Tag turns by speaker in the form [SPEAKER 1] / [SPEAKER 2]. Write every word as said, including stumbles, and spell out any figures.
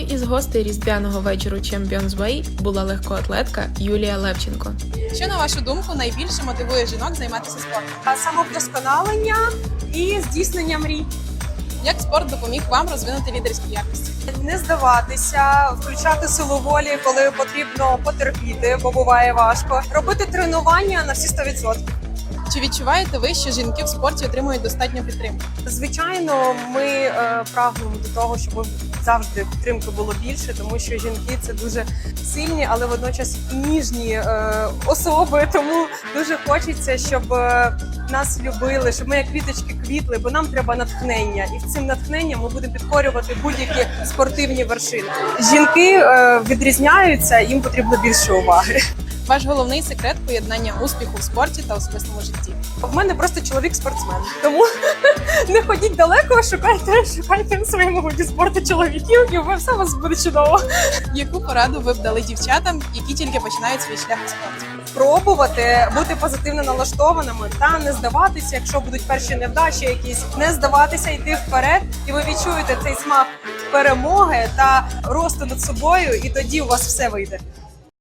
[SPEAKER 1] Однією із гостей різдвяного вечору Champions Way була легкоатлетка Юлія Левченко.
[SPEAKER 2] Що, на вашу думку, найбільше мотивує жінок займатися спортом?
[SPEAKER 3] Самовдосконалення і здійснення мрій.
[SPEAKER 2] Як спорт допоміг вам розвинути лідерські якості?
[SPEAKER 3] Не здаватися, включати силу волі, коли потрібно потерпіти, бо буває важко. Робити тренування на всі сто відсотків.
[SPEAKER 2] Чи відчуваєте ви, що жінки в спорті отримують достатньо підтримки?
[SPEAKER 3] Звичайно, ми е, прагнемо до того, щоб завжди підтримки було більше, тому що жінки це дуже сильні, але водночас і ніжні е, особи. Тому дуже хочеться, щоб е, нас любили, щоб ми як квіточки квітли, бо нам треба натхнення. І цим натхненням ми будемо підкорювати будь-які спортивні вершини. Жінки е, відрізняються, їм потрібно більше уваги.
[SPEAKER 2] Ваш головний секрет – поєднання успіху в спорті та особистому житті.
[SPEAKER 3] В мене просто чоловік-спортсмен, тому не ходіть далеко, шукайте, шукайте в своєму виді спорту чоловіків, і все у вас буде чудово.
[SPEAKER 2] Яку пораду ви б дали дівчатам, які тільки починають свій шлях у спорті?
[SPEAKER 3] Пробувати бути позитивно налаштованими та не здаватися, якщо будуть перші невдачі якісь, не здаватися, йти вперед, і ви відчуєте цей смак перемоги та росту над собою, і тоді у вас все вийде.